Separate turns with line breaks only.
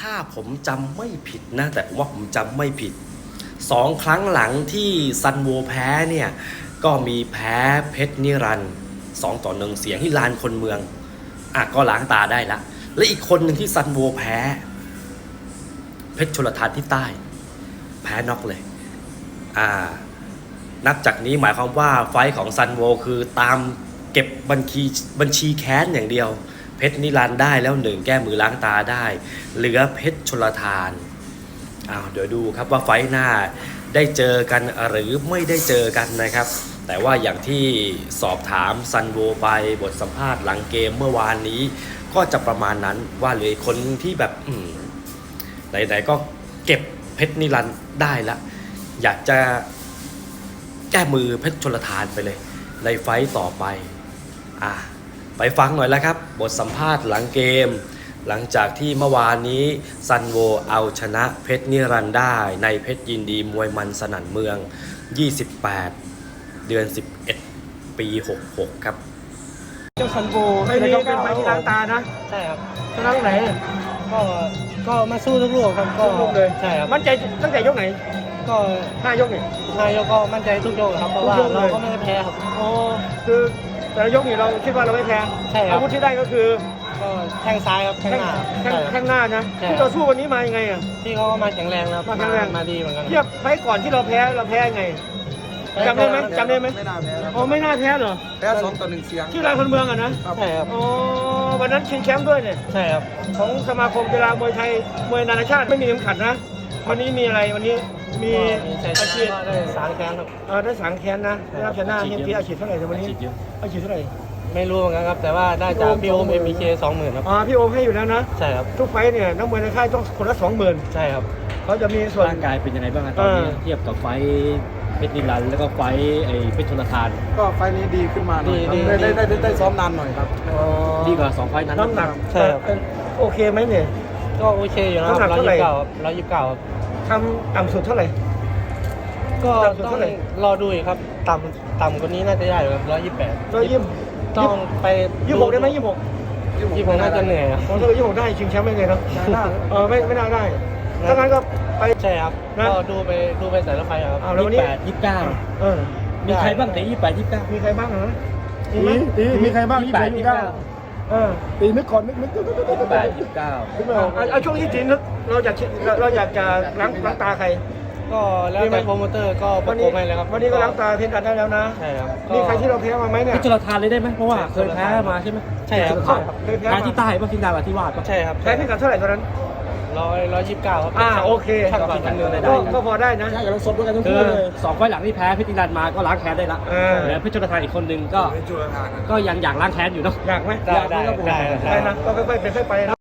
ถ้าผมจำไม่ผิดนะแต่ผมว่าผมจำไม่ผิด2 ครั้งหลังที่ซันโวแพ้เนี่ยก็มีแพ้เพชรนิรันดร์2-1เสียงที่ลานคนเมืองก็ล้างตาได้ละและอีกคนหนึ่งที่ซันโวแพ้เพชรชลทานที่ใต้แพ้น็อกเลยนับจากนี้หมายความว่าไฟท์ของซันโวคือตามเก็บบัญชีแค้นอย่างเดียวเพชรนิรันดร์ได้แล้ว1แก้มือล้างตาได้เหลือเพชรชลทานเดี๋ยวดูครับว่าไฟท์หน้าได้เจอกันหรือไม่ได้เจอกันนะครับแต่ว่าอย่างที่สอบถามซันโวไปบทสัมภาษณ์หลังเกมเมื่อวานนี้ก็จะประมาณนั้นว่าเหลือคนที่แบบไหนๆก็เก็บเพชรนิรันดร์ได้ละอยากจะแก้มือเพชรชลทานไปเลยในไฟต์ต่อไปไปฟังหน่อยแล้วครับบทสัมภาษณ์หลังเกมหลังจากที่เมื่อวานนี้ซันโวเอาชนะเพชรนิรันดร์ได้ในเพชรยินดีมวยมันสนั่นเมือง28เดือน11ปี66ครับ
เจ้าซันโวไม่ได้เป็นไฟที่ล้างตานะ
ใช่ครับ
ชนะตรงไหน
ก็มาสู้ทุกลูกครับก็
ทุกเลย
ใช่ครับ
มั่นใจตั้งแต่ยกไหน
ก็
5 ยกนี่
5 ยกก็มั่นใจทุกยกครับเพราะว่าเราก็ไม่ได้แพ้ครับ
คือแต่ละยกนี่เราคิดว่าเราไม่แพ้
ใช่ครับ
อาวุธที่ได้ก็คือ
ก็แข้งซ้ายครับแข้งหน้า
แข้งหน้านะที่เราสู้วันนี้มายังไง
ที่เขามาแข็งแรงครับ
มาแข็งแรง
มาดีเหมือนกัน
เทียบไฟก่อนที่เราแพ้ยังไงจำได้ไหม
ไม่น่าแพ้
ไม่น่าแพ้เหรอ
แพ้2-1เสียง
ที่ลานคนเมืองนะ
ใช่ครับ
วันนั้นชิงแชมป์ด้วยเนี่ย
ใช่ครับ
ของสมาคมกีฬามวยไทยมวยนานาชาติไม่มีเข็มขัดนะวันนี้มีอะไรวันนี้มี
อาชีพได้สางแค้นครับ
ได้สางแค้นนะได้รับชนะที่อาชีพเท่าไหร่วันนี้อาชีพเท่าไหร่
ไม่รู้เหมือนกันครับแต่ว่าได้จากพี่โอม MBK 20,000ครับ
พี่โอมให้อยู่แล้วนะ
ใช่ครับ
ทุกไฟเนี่ยนักมวยในค่ายต้องคนละ20,000
ใช่ครับ
เขาจะมีส่วน
ร่างกายเป็นยังไงบ้างตอนนี้เทียบกับไฟเพชรนิรันดร์แล้วก็ไฟเพชรชลทาน
ก็ไฟนี้ดีขึ้นมาหน่อยได้ซ้อมนานหน่อยครับ
ดีกว่า2 ไฟนั้น
น้ำหนัก
ใช่ครับ
โอเคไหมเนี่ย
ก็โอเคอยู่นะครับ129ครับ
ทำต่ำสุดเท่าไหร่
ก็ต้องรอดูอีกครับต่ำกว่านี้น่าจะได้ครับ128ต้องไป
26ได้ไหม
26น่าจะเหนื่อยครับ
26ได้ชิงแชมป์ไม่เลยเนาะไม่น่าได้ถ้างั้นก็ไป
ใช่ครับก็ดูไปแต่ละไฟครับ
แล้ววันนี้
29มีใครบ้างแต่28 29
มีใครบ้างนะ
มีใครบ้าง
28 29
ตีนึกก่อนนึก
28 29
ช่วงที่ตีนึกเราอยากจะล้างตาใคร
ก็แล้วแต่โปรโมเตอร์ก็ประกบให้เลยครับ
วันนี้ก็ล้างตาเพชรกันได้แล้วนะ
ใช่ครับ
มีใครที่เราแพ้มาไหมเนี่ย
เพชรชลทานเลยได้ไหมเพราะว่าเคยแพ้มาใช่ไหม
ใช่ครับ
แพ้ที่ใต้ป่ะที่ดาวที่วาด
ใช่ครับ
แพ้ที่กันเท่าไหร่ตอนนั้น
129ครับ
โอเคก็พอได้นะ
ใช่กับเราสดด้วยกันทั้ง
คู่
เลย
2 ไฟล์หลังที่แพ้เพชรนิรันดร์มาก็ล้างแค้นได้ละแล้วเพชรชลทานอีกคนนึงก็ยังอยากล้างแค้นอยู่เนาะ
อยากไหม
ได้
นะก็ค่อยๆไปนะ